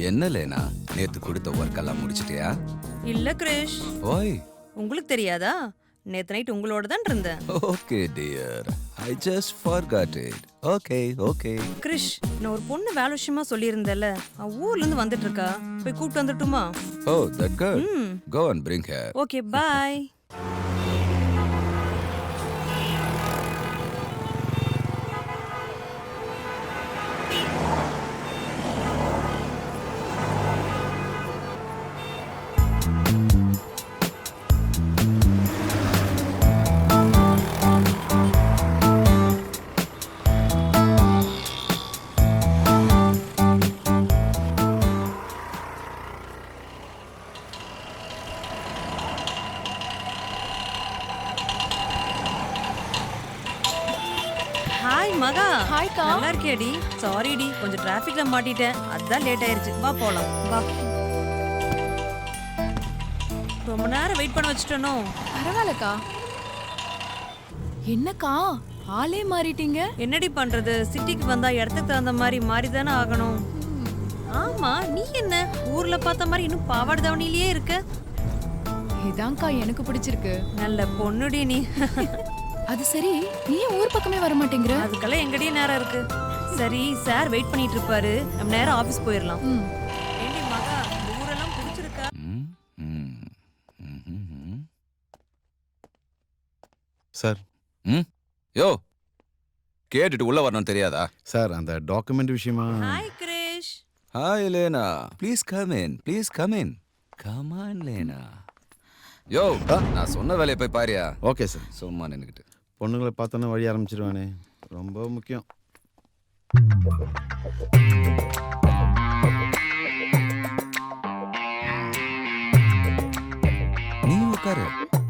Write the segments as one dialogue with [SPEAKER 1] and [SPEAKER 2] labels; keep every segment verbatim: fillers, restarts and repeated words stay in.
[SPEAKER 1] என்ன லேனா, நேத்து கொடுத்த ஒர்க் எல்லாம் முடிச்சிட்டியா?
[SPEAKER 2] இல்ல கிரிஷ்,
[SPEAKER 1] ஓய்,
[SPEAKER 2] உங்களுக்கு தெரியாதா? நேத்து நைட் உங்களோட தான் இருந்தேன்.
[SPEAKER 1] Okay dear, I just forgot it. Okay okay.
[SPEAKER 2] Krish, நான் ஒரு பொண்ணு வேலை விஷயமா சொல்லியிருந்தேன்ல, அவ ஊர்ல இருந்து வந்துட்டு இருக்கா. போய் கூப்பிட்டு வந்துட்டுமா?
[SPEAKER 1] Oh, that girl.
[SPEAKER 2] ம்.
[SPEAKER 1] Go and bring her.
[SPEAKER 2] Okay, bye. Hi Maha.
[SPEAKER 3] ஹாய்க்கா.
[SPEAKER 2] நல்லா இருக்கியாடி? சாரி டி, கொஞ்சம் டிராஃபிக்ல மாட்டிட்டேன். அதான் லேட் ஆயிருச்சு. வா போலாம். வா. ரொம்ப நேரம் வெயிட் பண்ண வச்சுட்டனோ?
[SPEAKER 3] பரவாயில்லக்கா. என்னக்கா ஆளே மாறிட்டீங்க?
[SPEAKER 2] என்னடி பண்றது? சிட்டிக்கு வந்தா இடத்துக்கு தகுந்த மாதிரி மாறி தானே ஆகணும். ஆமா, நீ என்ன ஊர்ல பார்த்த மாதிரி இன்னும் பாவாடை தாவணியிலேயே இருக்க?
[SPEAKER 3] இதான்க்கா எனக்கு பிடிச்சிருக்கு.
[SPEAKER 2] நல்ல பொண்ணுடி நீ.
[SPEAKER 3] அது சரி, நீ ஏன் ஊர் பக்கமே வர மாட்டேங்கிற?
[SPEAKER 2] அதுக்கெல்லாம் எங்கடி நேரம் இருக்கு. சரி, சார் வெயிட் பண்ணிட்டு இருப்பாரு. நம்ம நேரம் ஆபீஸ் போயிடலாம்.
[SPEAKER 3] ம்.
[SPEAKER 2] ஏண்டி மகா, இந்த ஊரெல்லாம் பிடிச்சிருக்கா?
[SPEAKER 1] ம், ம், ம், ம்.
[SPEAKER 4] சார்
[SPEAKER 1] ம்? யோ, கேட்டுட்டு உள்ள வரணும் தெரியாதா?
[SPEAKER 4] சார் அந்த டாக்குமெண்ட் விஷயமா
[SPEAKER 2] hi Krish.
[SPEAKER 1] Hi Lena, please come in, please come in. Come on Lena. Yo, நான் சொன்ன வேலையை போய் பாரியா?
[SPEAKER 4] Okay sir.
[SPEAKER 1] சும்மா நின்னுக்கிட்டு.
[SPEAKER 4] பொண்ணுங்களை பார்த்தோன்னே வழி ஆரம்பிச்சிருவானே, ரொம்ப முக்கியம்.
[SPEAKER 1] நீ உட்காரு.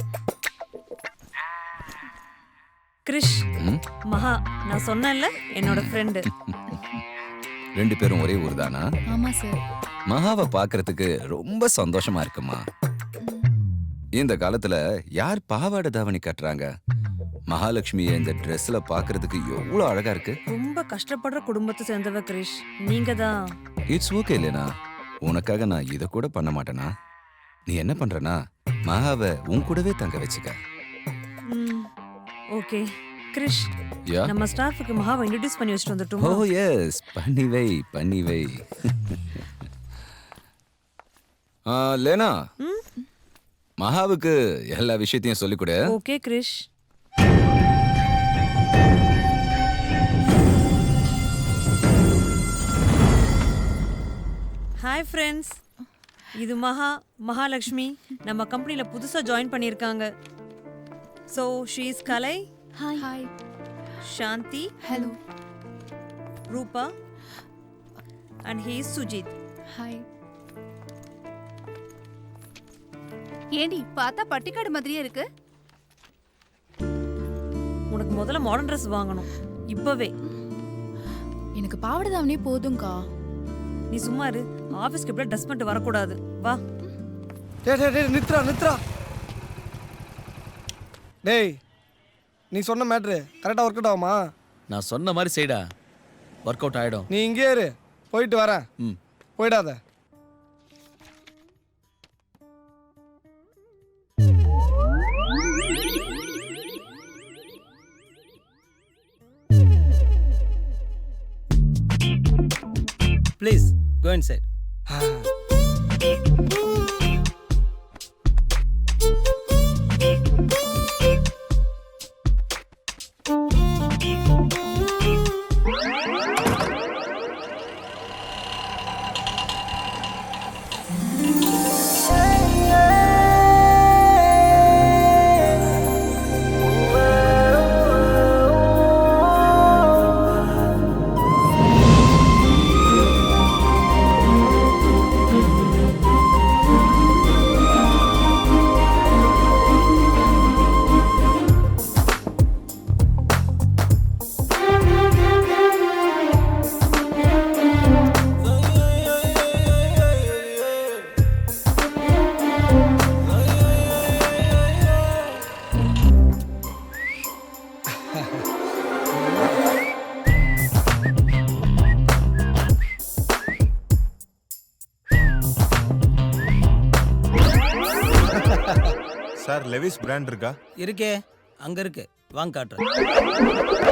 [SPEAKER 2] கிரிஷ்,
[SPEAKER 1] ம்?
[SPEAKER 2] மகா, நான் சொன்னேன்ல என்னோட ஃப்ரெண்டு.
[SPEAKER 1] ரெண்டு பேரும் ஒரே ஊர் தானா?
[SPEAKER 3] ஆமா சார்.
[SPEAKER 1] மகாவை பார்க்கறதுக்கு ரொம்ப சந்தோஷமா இருக்குமா. இந்த காலத்துல யார் பாவாடை தாவணி கட்டுறாங்க? மகாலட்சுமியை இந்த ட்ரெஸ்ல பார்க்கறதுக்கு எவ்வளவு அழகா இருக்கு.
[SPEAKER 2] ரொம்ப கஷ்டப்படுற குடும்பத்தை சேர்ந்தவ கிரிஷ். நீங்க தான்.
[SPEAKER 1] இட்ஸ் ஓகே இல்லைனா, உனக்காக நான் இதை கூட பண்ண மாட்டேனா? நீ என்ன பண்றனா, மகாவை உன் கூடவே தங்க வச்சுக்க.
[SPEAKER 2] ம், ஓகே. கிரிஷ்,
[SPEAKER 1] யா,
[SPEAKER 2] நம்ம ஸ்டாஃபுக்கு மகாவை இன்ட்ரோடியூஸ் பண்ணி வச்சுட்டு
[SPEAKER 1] ஓ
[SPEAKER 2] வந்துட்டோமா?
[SPEAKER 1] எஸ், பண்ணி வை பண்ணி வை. ஆ, லேனா,
[SPEAKER 2] ம்,
[SPEAKER 1] மகாவுக்கு எல்லா விஷயத்தையும் சொல்லிக் கொடு.
[SPEAKER 2] ஓகே கிரிஷ். ஹாய் ஃப்ரெண்ட்ஸ், இது மகா, மகாலட்சுமி. நம்ம கம்பெனில புதுசா ஜாயின் பண்ணியிருக்காங்க. So she is Kalai,
[SPEAKER 3] hi. Hi.
[SPEAKER 2] Shanti,
[SPEAKER 3] hello.
[SPEAKER 2] Rupa and he is Sujith.
[SPEAKER 3] Hi.
[SPEAKER 5] ஏண்டி பார்த்தா பட்டிக்காடு மாதிரியே இருக்கு.
[SPEAKER 2] உனக்கு முதல்ல மாடர்ன் ட்ரெஸ் வாங்கணும் இப்பவே.
[SPEAKER 3] எனக்கு பாவாடை தாவணியே போதும்க்கா.
[SPEAKER 2] நீ சும்மா இரு. ஆஃபீஸ்க்கு இப்படி ட்ரெஸ் பண்ணிட்டு வரக்கூடாது. வா.
[SPEAKER 6] டேய் டேய் டேய் நித்ரா நித்ரா. டேய், நீ சொன்ன மேட்ரு கரெக்டாக ஒர்க் அவுட் ஆகுமா?
[SPEAKER 7] நான் சொன்ன மாதிரி செய்டா, ஒர்க் அவுட் ஆகிடும்.
[SPEAKER 6] நீ இங்கே இரு, போயிட்டு வரேன்.
[SPEAKER 7] ம்.
[SPEAKER 6] போயிடாத.
[SPEAKER 8] Please go inside.
[SPEAKER 9] Sir Levi's brand இருக்கா?
[SPEAKER 8] இருக்கே, அங்க இருக்கு. வாங்க காட்டுறேன்.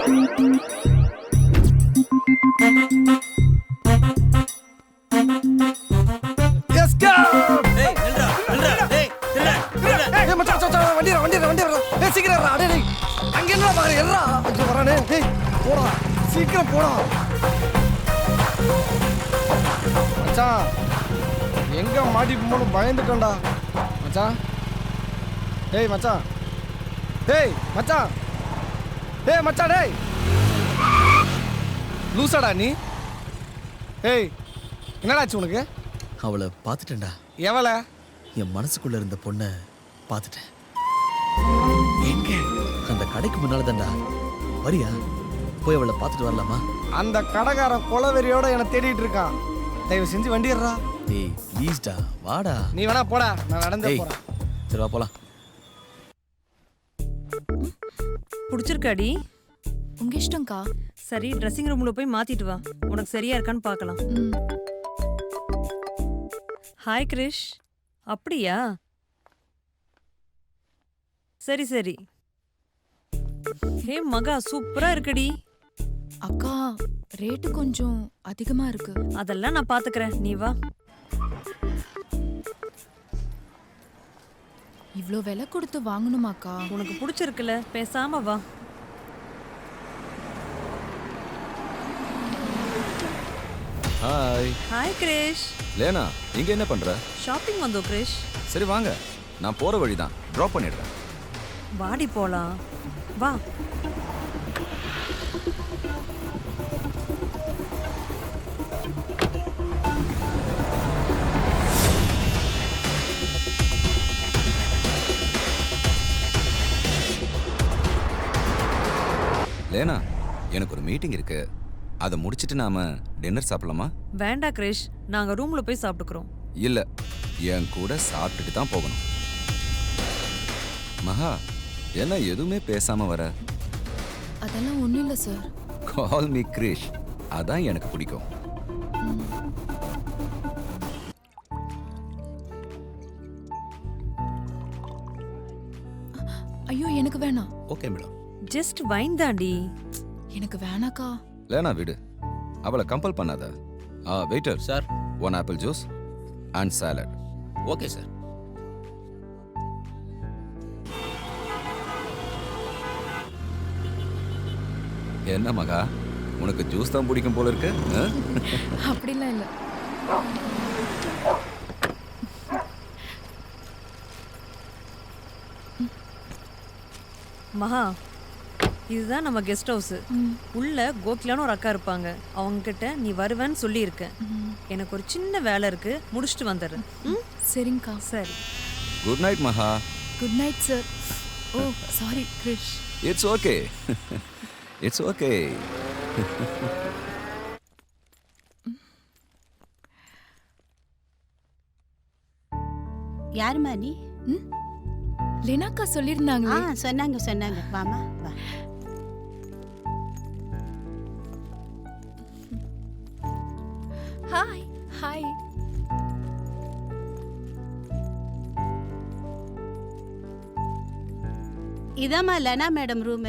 [SPEAKER 6] எஸ் கோ
[SPEAKER 8] டேய் நில்றா நில்றா டேய் நில்றா நில்றா.
[SPEAKER 6] ஏய் மச்சான் மச்சான் வண்டி வண்டி வண்டி ஏய் சீக்கிரம் ஏறா டேய் டேய் அங்க என்னடா பாரு ஏறா ஐயோ வரானே டேய் போடா சீக்கிரம் போடா மச்சான் எங்க மாட்டி போன்னு பயந்துட்டேன்டா மச்சான் டேய் மச்சான் டேய் மச்சான் டேய் மச்சான் டேய் லூசாடா நீ ஏய் என்னடாச்சு உனக்கு?
[SPEAKER 7] அவளை பார்த்துட்டேன்டா.
[SPEAKER 6] எவள?
[SPEAKER 7] என் மனசுக்குள்ள இருந்த பொண்ணை பார்த்துட்டேன். எங்க? அந்த கடைக்கு முன்னால தான்டா. வரியா? போய் அவளை பார்த்துட்டு வரலாமா?
[SPEAKER 6] அந்த கடைக்காரன் கொலவெறியோட என்னை தேடிட்டு இருக்கான். தயவு செஞ்சு வண்டி ஏறா.
[SPEAKER 7] டேய் ப்ளீஸ்டா வாடா.
[SPEAKER 6] நீ வேணா போடா, நான் நடந்தே
[SPEAKER 7] டேய்
[SPEAKER 6] போறேன்.
[SPEAKER 7] சரி வா போலாம்.
[SPEAKER 2] பிடிச்சிருக்காடி?
[SPEAKER 3] உங்க இஷ்டம்க்கா.
[SPEAKER 2] சரி, ட்ரெஸ்ஸிங் ரூம்ல போய் மாத்திட்டு வா. உனக்கு சரியா இருக்கான்னு பார்க்கலாம்.
[SPEAKER 3] ம்.
[SPEAKER 2] ஹாய் கிரிஷ். அப்படியா? சரி சரி. ஹே மகா, சூப்பரா இருக்குடி.
[SPEAKER 3] அக்கா ரேட்டு கொஞ்சம் அதிகமா இருக்கு.
[SPEAKER 2] அதெல்லாம் நான் பாத்துக்கிறேன், நீ வா.
[SPEAKER 3] இவ்ளோ விலை கொடுத்து வாங்கணுமாக்கா?
[SPEAKER 2] உனக்கு பிடிச்சிருக்குல்ல, பேசாம வா.
[SPEAKER 1] ஹாய்.
[SPEAKER 2] ஹாய் கிரிஷ்.
[SPEAKER 1] லேனா, இங்க என்ன பண்ற?
[SPEAKER 2] ஷாப்பிங் வந்தோம் கிரிஷ்.
[SPEAKER 1] சரி வாங்க, நான் போற வழி தான், ட்ராப் பண்ணிடுறேன்.
[SPEAKER 2] வாடி போலாம், வா.
[SPEAKER 1] லேனா, எனக்கு ஒரு மீட்டிங் இருக்கு, அதை முடிச்சிட்டு நாம டின்னர் சாப்பிடலாமா?
[SPEAKER 2] வேண்டா கிரிஷ், நாங்க ரூம்ல போய் சாப்பிட்டுக்கிறோம்.
[SPEAKER 1] இல்ல, என் கூட சாப்பிட்டுட்டு தான் போகணும். மகா, என்ன எதுவுமே பேசாம வர?
[SPEAKER 3] அதெல்லாம் ஒண்ணும் இல்ல சார்.
[SPEAKER 1] கால் மீ கிரிஷ், அதான் எனக்கு பிடிக்கும்.
[SPEAKER 3] ஐயோ எனக்கு வேணாம்.
[SPEAKER 7] Okay madam.
[SPEAKER 2] ஜஸ்ட் வைன் தாண்டி.
[SPEAKER 3] எனக்கு வேணாக்கா.
[SPEAKER 1] லேனா விடு, அவளை கம்பல் பண்ணாத. ஆ waiter
[SPEAKER 7] sir.
[SPEAKER 1] One apple juice and salad.
[SPEAKER 7] Okay sir.
[SPEAKER 1] என்ன மகா, உனக்கு ஜூஸ் தான் பிடிக்கும் போல இருக்கு? ஆ?
[SPEAKER 3] அப்படிலாம் இல்ல.
[SPEAKER 2] மகா, இதுதான் நம்ம கெஸ்ட் ஹவுஸ். உள்ள கோகிலான்னு ஒரு அக்கா இருப்பாங்க. அவங்க கிட்ட நீ வருவேன்னு சொல்லியிருக்கேன். எனக்கு ஒரு சின்ன வேலை இருக்கு, முடிச்சுட்டு வந்துடுறேன். ம்?
[SPEAKER 3] சரிங்கக்கா.
[SPEAKER 2] சரி.
[SPEAKER 1] Good night Maha.
[SPEAKER 3] Good night sir. Oh sorry Krish.
[SPEAKER 1] It's okay. It's okay.
[SPEAKER 5] யாருமா நீ?
[SPEAKER 3] லேனாக்கா சொல்லிருந்தாங்க.
[SPEAKER 5] ஆ சொன்னாங்க சொன்னாங்க. வாமா வா.
[SPEAKER 3] ஹாய். ஹாய்.
[SPEAKER 5] இதாம்மா லனா மேடம் ரூமு.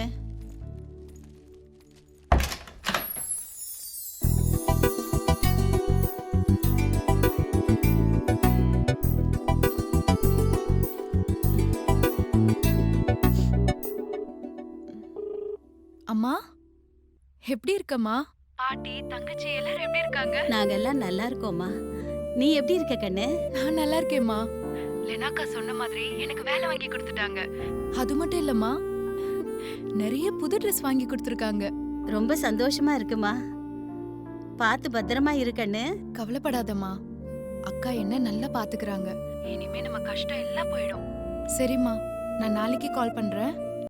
[SPEAKER 3] அம்மா எப்படி இருக்கம்மா? பாட்டி தங்கச்சி எல்லாரும் எப்படி இருக்காங்க?
[SPEAKER 5] நாங்க எல்லாம் நல்லா இருக்கோம்மா. நீ எப்படி இருக்க கண்ணு?
[SPEAKER 3] நான் நல்லா இருக்கேம்மா. லெனாக்கா சொன்ன மாதிரி எனக்கு வேலை வாங்கி கொடுத்துட்டாங்க. அது மட்டும் இல்லம்மா, நிறைய புது ட்ரெஸ் வாங்கி கொடுத்துருக்காங்க.
[SPEAKER 5] ரொம்ப சந்தோஷமா இருக்குமா. பார்த்து பத்திரமா இருக்கண்ணு.
[SPEAKER 3] கவலைப்படாதம்மா, அக்கா என்ன நல்லா பாத்துக்கறாங்க. இனிமே நம்ம கஷ்டம் எல்லாம் போயிடும். சரிம்மா, நான் நாளைக்கு கால் பண்றேன்.